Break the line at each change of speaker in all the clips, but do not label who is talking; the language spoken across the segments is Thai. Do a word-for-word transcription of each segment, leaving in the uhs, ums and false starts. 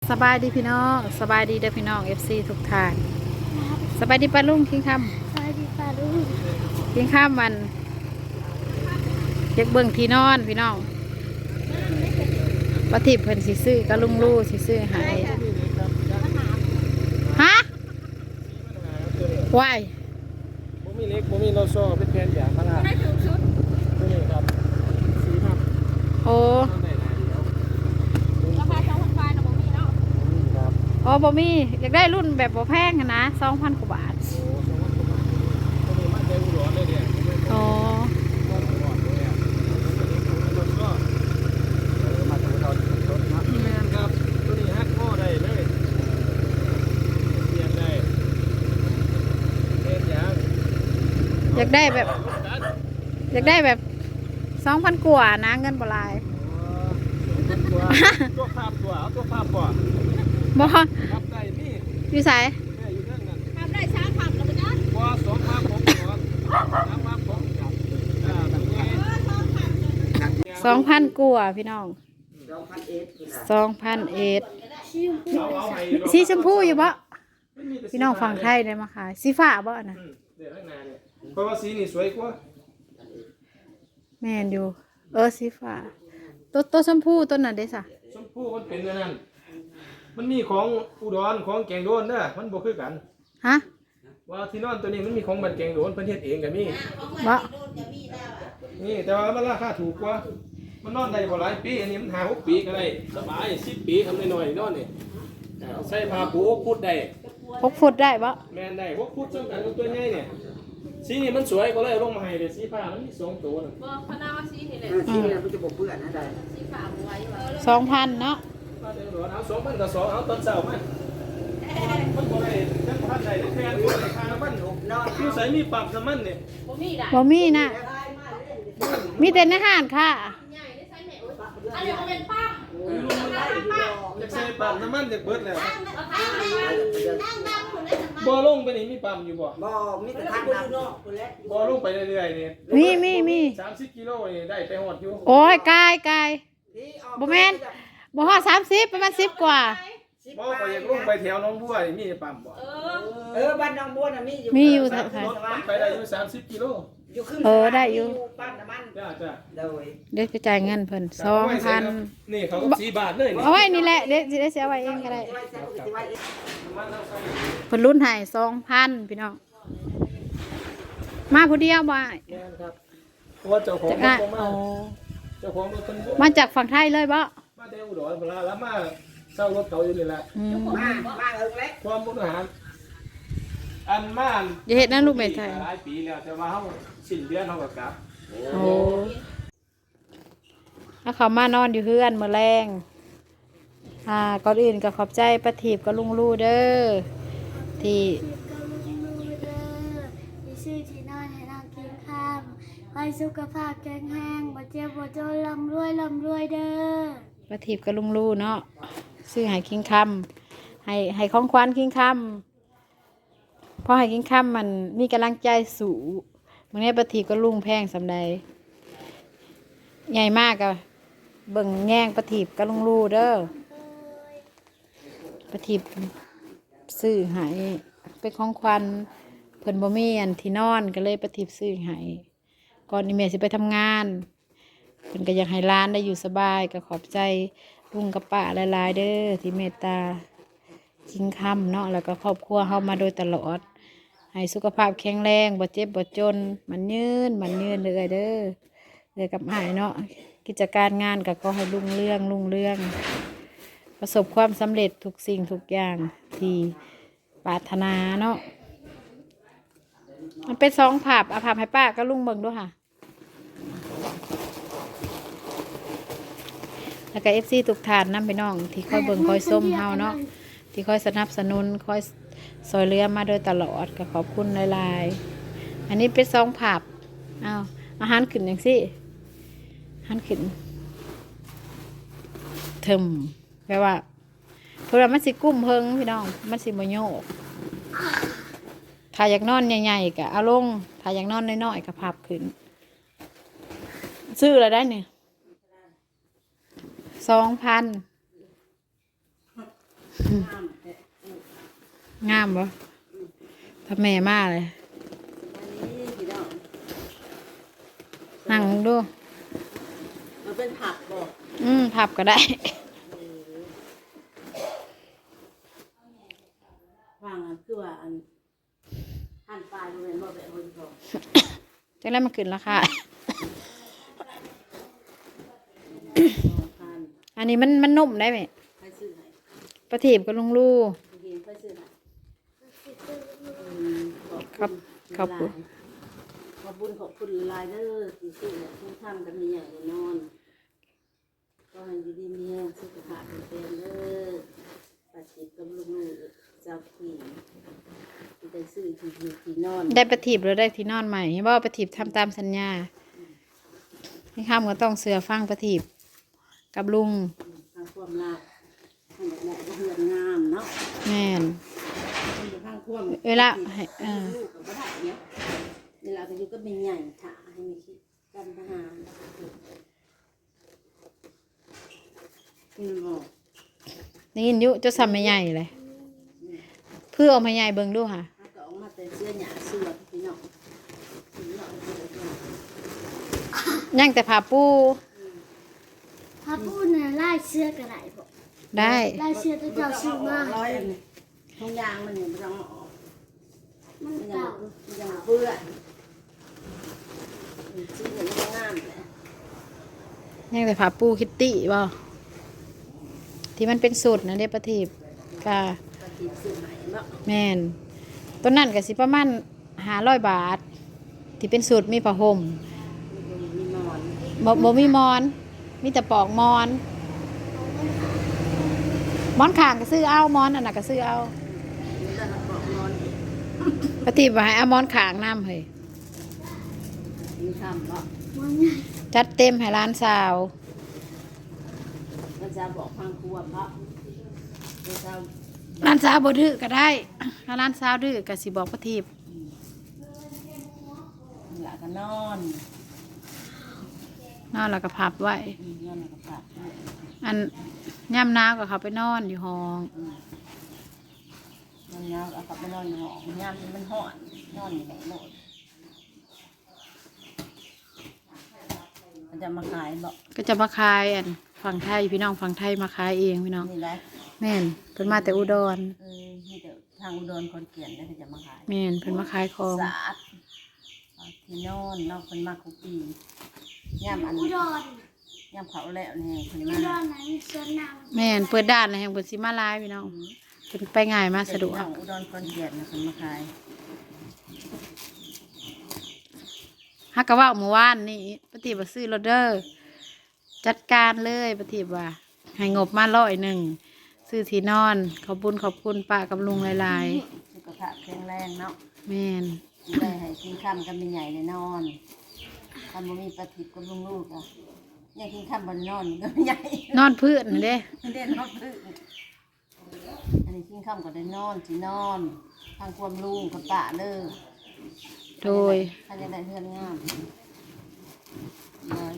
สบายดีพี่น้องสบายดีเด้อพี่น้อง เอฟ ซี ทุกท่านสบายดีป้าลุงคิงค
สวัสดีป้าลุง
ำคิงคำมันเด็กเบิ่งที่นอนพี่น้องปฏิบเพิ่นสิซื้อก็ลุงลู่สิซื้อใหายฮะวาย
บ่มีเล็กบ่มีโลโซ่เป็นแผ่นยางพาราได้ถึงชุดตัวนี้ครับสีครับ
โอ้
ราคาสองพันบาทนะบ่มีเนาะ
ครับ
โอ้บ่มีอยากได้รุ่นแบบบ่แพงนะสองพันกว่าบาท
โอ้สองพันกว่าบาทตัวนี้มาเต็มหัวเลยเนี่ย
โอ้
แม่นครับตัวนี้ฮักข้อได้เลยเปลี่ยนได้เปลี่ยนยาง
อยากได้แบบอยากได้แบบสองพันกว่านะเงินบ่หลาย
ตัวตัวภาพตัวเอาตัวภาพก่อน
บ่
ครับได้นี่
อยู่ไส
ได้อยู่เรื่องนั้น
ทำได้ช้าผักแล้วมั้ยนะ
บ่สองภาพผมก่อนสามภาพผมครับอ่าแบบนี้
สองพันกว่าพี่น้องสองพันเอ็ดสีชมพูอยู่บ่พี่น้องฝั่งไทยได้มาขายสีฟ้าบ่นะ
เดี๋ยวข้างหน้าเนี่ยเพราะว่าสีนี่สวยกว่า
แม่นอยู่เออสีฟ้าตัวตัวชมพูตัวนั้นเด้ซะ
ชมพูมันเป็นอันนั้นมันมีของอุดรของแกงโดนเด้อมันบ่คือกัน
ฮะ
ว่าที่นอนตัวนี้มันมีของบันแกงโดนเพิ่นเฮ็ดเองก็มี
บ่
นี่แต่ว่ามันราคาถูกกว่ามันนอนได้บ่หลายปีอันนี้มันห้า หกปีก็ได้สบายสิบปีทำน้อยๆนอนนี่เอาใส่ผ้าปูหกฟุตได้
หกฟุตได้บ่
แม่นได้หกฟุตสำคัญกับตัวใหญ่เนี่ยสีนี่มันสวยก็เลยลงมาให้เด้สีฟ้ามันมีสองตัวน่ะ
บ่พนาว่าสีนี่แหละ
สีนี่มันจะบ่เปื้อนนะได้
สีฟ้าบ่ไว้ว่า
สองพันเนาะ
มาเดี๋ยวเอาสองพันกับสองเอาตอนเช้ามามันบ่ได้จังพันได้แค่ตัวได้ค่าน้ำมันอยู่ใส่มีปรับน้ำมันเนี่ย
บ่มีได้
บ่มีนะมีแต่ในห้างค่ะ
ใหญ่ได้ใส่แม่อันนี้บ่เป็นปั๊ม
อยากใส่ปรับน้ำมันจะเบิดแล้ว
บ่
บ่ลงไปนี่มีปั๊มอยู่บ่
บ่มีแต่ทางน้ำ
บ่ลงไปเรื่อยๆนี่
มีมีมี
สามสิบกิโลนี่ได้ไปฮอดอยู่
โอ้ยกายกายบ่แม่นบ่ฮอดสามสิบประมาณสิบกว่า
บ่ก็อยากลงไปแถวหนองบัวนี่มีปั๊มบ่
เออ
เออบ้านน้องบัวน่ะมีอยู่
มีอยู่
รถมันไปได้อยู่สามสิบกิโล
อยู่ขึ้น
เออได้อยู่
ปั๊มน้ำมัน
จ้าจ้า
โดย
เดี๋ยวจะจ่ายเงินเพิ่นสองพัน
นี่เขาก็สี่บาทเลยนี่
เอาไว้นี่แหละเดี๋ยวสิได้เสียไว้เองก็ได้เพิ่นรุ่นให้สองพันพี่น้องมาผู้เดียวบ่
ครับเพราะว่าเจ้าของ
มา
โอ้เจ้าของรถเพิ่น
มาจากฝั่งไทยเลยบ่
มาเดอุดรเวลาแล้วมาเช่ารถเขาอยู่นี่แหละ
มามาเอิงเล็ก
ความบุญหารอันม่าน
อย่าเฮ็ดนะลูกแม่ไทย
หลายปีแล้วแต่ว่าเฮาสิ้นเดือนเฮาก็กลับ
โอ้ถ้าเขามานอนอยู่เฮือนมื้อแรงอ่าก่อนอื่นก็ขอบใจป้าถีบกับลุงลู่เด้อที่
ชื่อที่นอนให้นางกินข้าวให้สุขภาพแข็งแรงบ่เจ็บบ่จนร่ำรวยร่ำรวยเด้อ
ป้าถีบกับลุงลู่เนาะซื้อให้คิงคำให้ให้ของขวัญคิงคำเพราะให้คิงคำมันมีกำลังใจสูงมื้อนี้ป้าถีบกับลุงแพงสำใดใหญ่มากอะเบิ่งแง่งป้าถีบกับลุงลู่เด้อป้าถีบซื้อให้เป็นของขวัญเพิ่นบ่มีอันที่นอนก็เลยป้าถีบซื้อให้ก่อนนี้แม่สิไปทำงานเพิ่นก็อยากให้ร้านได้อยู่สบายก็ขอบใจลุงกับป้าหลายๆเด้อที่เมตตาจริงคำเนาะแล้วก็ครอบครัวเฮามาโดยตลอดให้สุขภาพแข็งแรงบ่เจ็บบ่จนมันยืนมันยืนเลยเด้อเลยกับหายเนาะกิจการงานก็ขอให้รุ่งเรืองรุ่งเรืองประสบความสำเร็จทุกสิ่งทุกอย่างที่ปรารถนาเนาะมันเป็นสองภาพเอาภาพให้ป้าก็ลุงเบิ่งด้วยค่ะแล้วก็เอฟซีทุกท่านนำไปน้องที่คอยเบิ่งคอยส้มเฮาเนาะที่คอยสนับสนุนคอยซอยเรือมาโดยตลอดก็ขอบคุณหลายๆอันนี้เป็นสองภาพอ้าวอาหารขึ้นอย่างสิอาหารขึ้นเทิมแปลว่าเพราะว่ามันสิกุ้มเพิงพี่น้องมันสิบ่โยกถ้าอยากนอนใหญ่ๆก็เอาลงถ้าอยากนอนน้อยๆก็พับขึ้นซื้ออะไรได้เนี่ยสองพัน
ห้ามแต่
งามบ่ถ้าแม่มาเลย
อันนี้พี่น้อง
นั่งดู
มันเป็นผักบอก
อืมพับก็ได้
วางอันคือว่าอันหั่นปลายมันเป็นบ่แบบคนบอก
จังได้มาขึ้นราคา
หั่น
อันนี้มันมันนุ่มได้ไหม
ไปซื้อให้
ประทีบกับลุงลู่
ไปกินไปซื้อให้
ครับครับ
ขอบคุณขอบคุณหลายเด้อที่ซื้อเนี่ยที่ทำกันมีอย่างแน่นอนก็ให้อยู่ดีมีแรงสุขภาพเป็นเด้อปัจจิตกับลูกๆเจ้าขี่ที่ได้ซื้อที่อยู่ที่นอน
ได้ประทีบหรือได้ที่นอนใหม่เห็นบ่ว่าประทีบทำตามสัญญาให้ข้ามก็ต้องเสือฟังประทีบกับลุง
ทางความรักทางแบบก็เฮือนงามเนาะ
แม่น
ทางความ
เวลาให้เออ
ลูกก็ได้เนี่ยเวลาก็อยู่ก็เป็นใหญ่ถ่าให้มีคิดกันทหารอืมบอก
ได้ยินอยุจะซ้ำไม่ใหญ่เลยเพื่อเอามาใหญ่เบิ่งดูค่ะ
ถ้าก็ออกมาแต่เสื้อหยาเสื้อพี่น้องพี่น้องเสื้อพี่น้อง
ย่างแต่ผ้าปู
พระพูดเนี่ยไล่เสื้อกระไรบอก
ได้
ไล่เสื้อที่เจ้าซื้อมา
ร้อยอันนี้ทงยางมันเนี่ยมันต้องออก
มัน
มันยัง
เก่า
มันยังเปื้อนชิ้นเนี่ยมันงามเลย
ย่างแต่ผ้าปูคิตตี้บ่ที่มันเป็นสูตรนะเด้ประทีบกา
ปฏิบัติสื่อใหม่เนาะ
แม่นต้นนั้นก็สิประมาณห้าร้อยบาท ที่เป็นสูตรมีผ้าห่ม
มีนอน
บ่บ่มีมอน มีแต่ปอกมอน มอนข้างก็ซื้อเอามอนอันนั้นก็ซื้อเอา
มีแต่ละปอกนอนอีก
ปฏิบัติให้เอามอนข้างน้ำเฮ้ย
มีทำเนาะ
มันใหญ่
จัดเต็มให้ร้านสาว
มันจะบอกพังครัวเพราะมันจะ
ร้านสาวบ่ดื้อก็ได้ถ้าร้านสาวดื้อก็สิบอกปฏิบ
หลักก็นอน
นอนแล้วก็พับไว้
อืมนอนแล้วก็ปัด
อันย่ำหนาวก็เขาไปนอนอยู่ห้อง
นอนแล้วเอากลับไปนอนในห้องยามมันห่อนนอนอยู่ไหนโน่นมันจะมาขายบอก
ก็จะมาขายอันฝั่งไทยพี่น้องฝั่งไทยมาขายเองพี่น้อง
นี่แหละ
แม่นเพิ่นมาแต่อุดร
เออนี่เดี๋ยวทางอุดรคนเกลียนแล้วจะมาขาย
แม่นเพิ่นมาขายของ
สะอาดเอาที่นอนนอกคนมากคุกปีย่ามอัน
อุดร
ย่ามเขาแล้วนี่คน
อุ
มา
ดรไหนมีสวนน้ำ
แม่นเปิดด้านนะแห่งเพิ่นสิมาหลายพี่น้องเพิ่นไปง่ายมาสะดวก
น้องอุดรคนเกลียนนะคนมาขาย
ฮักกะว่าเมื่อวานนี่ปฏิบัติซื้อรถเดอร์จัดการเลยปฏิบัติให้งบมาร้อยหนึ่งซื้อที่นอนขอบคุญขอบคุณป้ากับลุงหลาย
สุขภาพแข็งแรงเนาะ
ๆแม่น
ได้ให้กินข้ามกันเป็นใหญ่เลยนอนทำบ่มีปฏิบกับลุงลูกอ่ะยังกินข้ามบนนอนก็ไม่ใหญ่
นอนพื้นนั่นเด้
ไม่ได้นอนพึ่งอันนี้กินข้ามก็ได้นอนสินอนทางความลุงกับป้าเด้อ
โดย
ถ้าจะได้เพื่อนงามน้อย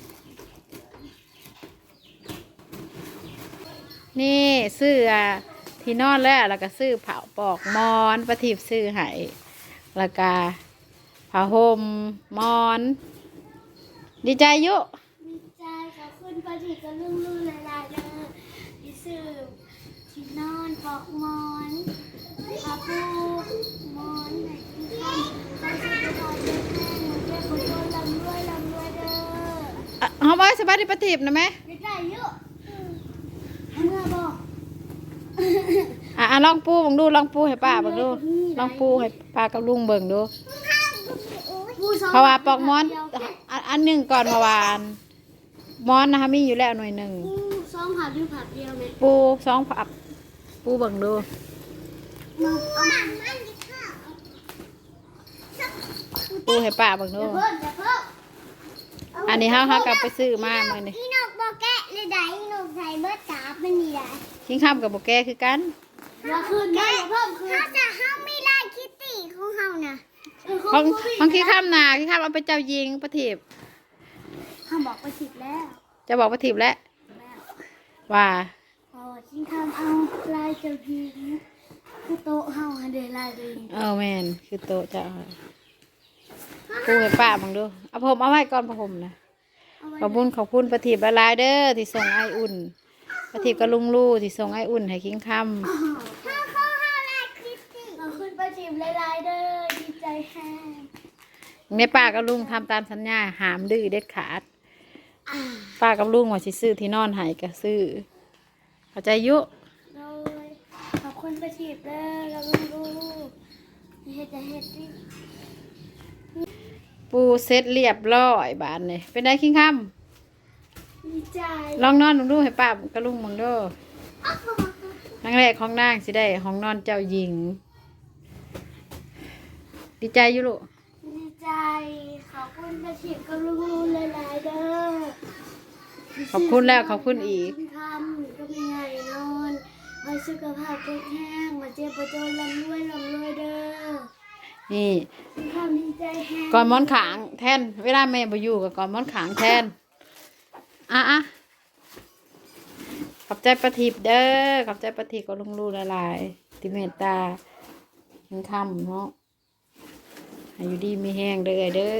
นี่ซื้ออ่ะที่นอนแล้วแล้วก็ซื้อผ้าปอกมอนปฏิบัติซื้อให้แล้วก็ผ้าห่มมอน ดีใจอยุ
ดีใจขอบคุณพระที่กับลุงลุงหลายๆเลยที่ซื้อที่นอนปอกหมอนพระพูหมอนไหนที่ข้ามไปสุขภาพแข็งแรงหนูเจ็บปวดโดนลำรวยลำรวยเด้อ
อ่ะเอาไว้สบายดีปฏิบัตินะแม่
ได้ได้เยอะเมื่อบอก
อ่ะอ่ะลองปูเบังดูลองปูให้ป้าเบังดูลองปูให้ป้ากับลุงเบิ่งดู เพราะว่าปอกมอนอันอันหนึ่งก่อนเพราะว่าอันมอนนะคะมีอยู่แล้วหน่วยหนึ่ง
ปูซ้อมผัดหรือผัดเดียวไหม
ปูสองผับปูเบิ่งดู
ปูเอามามันดิค่ะ
ปูให้ป้าเบิ่งดู
อย่าเพิ่มอย่าเพิ่ม
อันนี้เฮาเฮากลับไปซื้อมาเมื่อนี้
อีนกบอกแกะเลยได้อีนกใส่เบิร์ดตาเป็นนี่ได้
ทิ้งข้ามกับโบแกคือกัน
อย่าคืนนะอย่าเพิ่มคืนเขาจะห้ามไม่ไล่คิตตี้ของเขาน่ะ
ของของขี้ข้ามนาขี้ข้ามเอาไปเจ้ายิงประทีป
เขาบอกไปผิดแล้ว
จะบอกประทีปแล้วว่า
เขาอชิงทำเอาลายเจ้าหญิงคือโต๊ะเฮาให้ได้ลายเลย
เออแม่นคือโตะจะเอาปูให้ป้าบังดูเอาผมเอาไว้ก่อนพระผมนะ
เอาไว้
ขอบคุณขอบคุณประทีปละลายเด้อที่ส่งไออุ่นประทีปกับลุงลู่ที่ส่งไออุ่นให้คิงค
ข้าวข้าวข้าวลายคริสตี้เอาขึ้นประจิบลายๆเด้อดีใจแห้ง
ำแม่ป้ากับลุงทำตามสัญญาหามดื้อเด็ดขาดป้ากับลุงว่าสิซื้อที่นอนให้ก็ซื้อเข้าใจอยุ
โดยขอบคุณประจิบเด้อแล้วลูกๆเฮ็ดจะเฮ็ดดิ
ปูเซ็ตเรียบร้อยบานเลยเป็นได้คิงค
ดีใจ
ำลองนอนลองดูให้ป้ากับลุงมึงเด้อครั้งแรกของนางสิได้ห้องนอนเจ้าหญิง ดีใจอยู่ลูก
ดีใจขอบคุณประจิบกับลูกๆหลายๆเด้อ
ขอบคุณแล้วขอบคุณอีก
ทำก็มีไงนอนไว้สุขภาพแข็งแรงมาเจ็บประจนลำรวยลำรวยเด้อ
นี่
มีความดีใจแห้ง
ก่อนหมอนขางแทน เวลาแม่บ่อยู่กับก่อนหมอนขางแทน อ่ะอ่ะขอบใจประทิบเด้อขอบใจประทิบก็ลุงลูละลายที่เมตตายังคำเนาะให้อยู่ดีมีแห้งเด้อเด้อ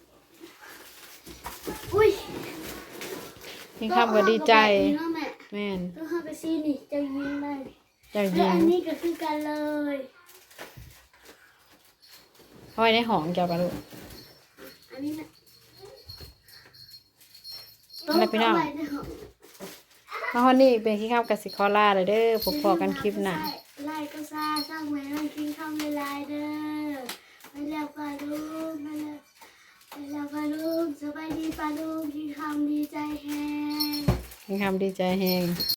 อุ้ย
ยังคำก็ดีใจ
เนาะแม่
แม่น
ต้องเข้าไปซีนี่จะยิงได้
เจ้าห
แล้ว
ญิง
อันนี้ก็คือกันเลย
เอาไว้ในห้องเจ้าปะลูก
อันนี้นะ
อะไรพี่น้อง
เาไว้ในห้อง
มาฮอนนี่เป็นขี้ข้าวกับสิคอล่าเลยเด้อพบพอกันคลิปหน้า
ไล่ก็ซ่าสร้างไว้ให้กินข้าวไม่ลายเด้อไปแล้วปลาลูกไปแล้วไปแล้วปลาลูกสบายดีปลาลูกกินข้าวดีใจแฮง
ยังคำดีใจแห้ง